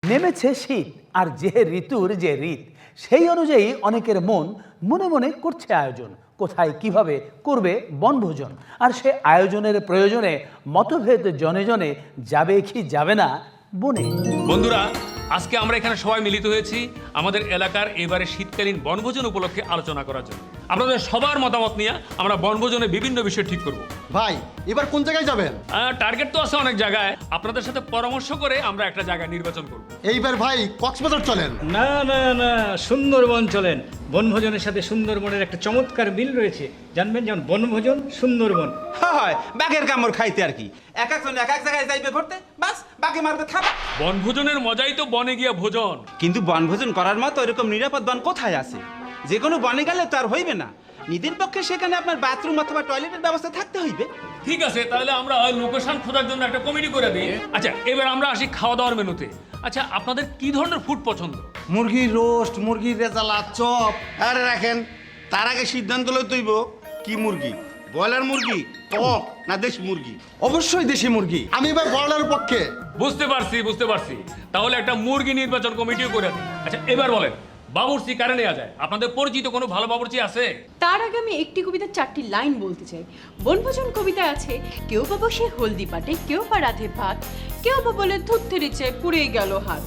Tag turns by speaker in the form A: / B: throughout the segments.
A: নেমেছে শীত, আর যে ঋতুর যে রীত সেই অনুযায়ী অনেকের মন মনে মনে করছে আয়োজন, কোথায় কিভাবে করবে বনভোজন। আর সে আয়োজনের প্রয়োজনে মতভেদ জনে জনে, যাবে কি যাবে না বনে।
B: বন্ধুরা, আজকে আমরা এখানে সবাই মিলিত হয়েছি আমাদের এলাকার এবারে শীতকালীন বনভোজন উপলক্ষে আলোচনা করার জন্য। আপনাদের সবার মতামত নিয়ে আমরা বনভোজনে বিভিন্ন বিষয় ঠিক করব।
C: ভাই এবার কোন জায়গায় যাবেন?
B: টার্গেট তো আছে অনেক জায়গায়, আপনাদের সাথে পরামর্শ করে আমরা একটা জায়গা নির্বাচন করব।
C: এইবার ভাই কক্সবাজার চলেন।
D: না না না, সুন্দরবন চলেন। বনভোজনের সাথে সুন্দরবনের একটা চমৎকার মিল রয়েছে, জানবেন? যেমন বনভোজন, সুন্দরবন।
E: হয় বাঘের কামড় খাইতে আর কি, এক একজন এক এক জায়গায় যাইবে ঘুরতে, বাস বাঘে মারবে খাবা।
B: বনভোজনের মজাই তো বনে গিয়া ভোজন।
E: কিন্তু বনভোজন করার মতো এরকম নিরাপদ বন কোথায় আছে? যে কোনো বনে গেলে তো আর হইবে না, নিজের পক্ষে সেখানে আপনার বাথরুম অথবা টয়লেটের ব্যবস্থা থাকতে হইবে।
B: ঠিক আছে, তাহলে আমরা লোকেশন খোঁজার জন্য একটা কমিটি করে দিই। আচ্ছা, এবার আমরা আসি খাওয়া দাওয়ার মেনুতে। আচ্ছা, আপনাদের কি ধরনের ফুড পছন্দ?
F: মুরগির রোস্ট, মুরগির রেজালা, চপ। আরে রাখেন, তার আগে সিদ্ধান্ত লইতে হইব কি মুরগি, ব্রয়লার মুরগি, কক না দেশি মুরগি?
C: অবশ্যই দেশি মুরগি। আমি এবার ব্রয়লারের পক্ষে।
B: বুঝতে পারছি। তাহলে একটা মুরগি নির্বাচন কমিটিও করে দিই। আচ্ছা, এবার বলেন, বাবুর্চি কারে নেওয়া যায়? আপনাদের পরিচিত কোনো ভালো বাবুর্চি আছে?
G: তার আগে আমি একটি কবিতার 4টি লাইন বলতে চাই। বনভোজন কবিতায় আছে, কেউ বা বসে হলদি পাটে, কেউ বা রাধে ভাত, কেউ বা বলে দুধ থেরেছে পুড়ে গেল হাত।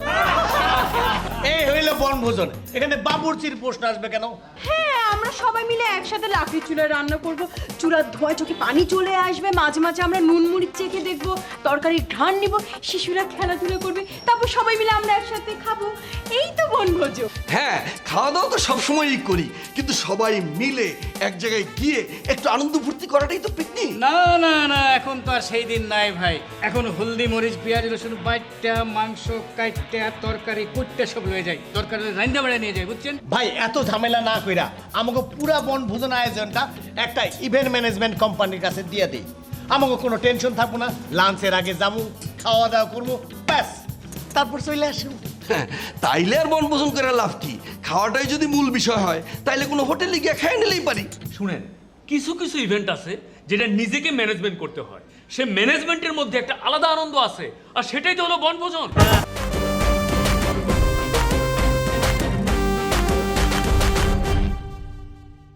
F: এই হইল বনভোজন, এখানে বাবুর্চির প্রশ্ন আসবে কেন?
G: হ্যাঁ, আমরা সবাই মিলে একসাথে লাকড়ি চুলায় রান্না করব, চুলার ধোঁয়ায় চোখে পানি চলে আসবে, মাঝে মাঝে আমরা নুন মুড়ি চেখে দেখব, তরকারির ঘ্রাণ নিব, শিশুরা খেলাধুলা করবে, তারপর সবাই মিলে আমরা একসাথে খাবো। এই তো বনভোজন।
H: হ্যাঁ, খাওয়া দাওয়া তো সবসময়ই করি, কিন্তু সবাই মিলে এক জায়গায় গিয়ে একটু আনন্দ ফুর্তি করাটাই তো পিকনিক।
D: না না না, এখন তো আর সেই দিন নাই ভাই। এখন হলদি মরিচ পেঁয়াজ রসুন বাইটটা, মাংস কাইটটা, তরকারি কুটটা সব লয়ে যায়, তরকারি রান্না বাড়া নিয়ে যায়, বুঝছেন
F: ভাই এত ঝামেলা না কইরা আমাকে পুরা বনভোজন আয়োজনটা একটা ইভেন্ট ম্যানেজমেন্ট কোম্পানির কাছে দিয়ে দিই। আমাকে কোনো টেনশন থাকবো না, লাঞ্চের আগে যাবো, খাওয়া দাওয়া করবো, ব্যাস তারপর চলে আসবো।
H: হ্যাঁ, তাইলে আর বনভোজন করে লাভ কি? খাওয়াটাই যদি মূল বিষয় হয়, তাইলে কোনো হোটেলে গিয়ে খেয়ে নিলেই পারি।
B: শুনেন, কিছু কিছু ইভেন্ট আছে যেটা নিজেকে ম্যানেজমেন্ট করতে হয়, সে ম্যানেজমেন্টের মধ্যে একটা আলাদা আনন্দ আছে, আর সেটাই তো হলো বনভোজন।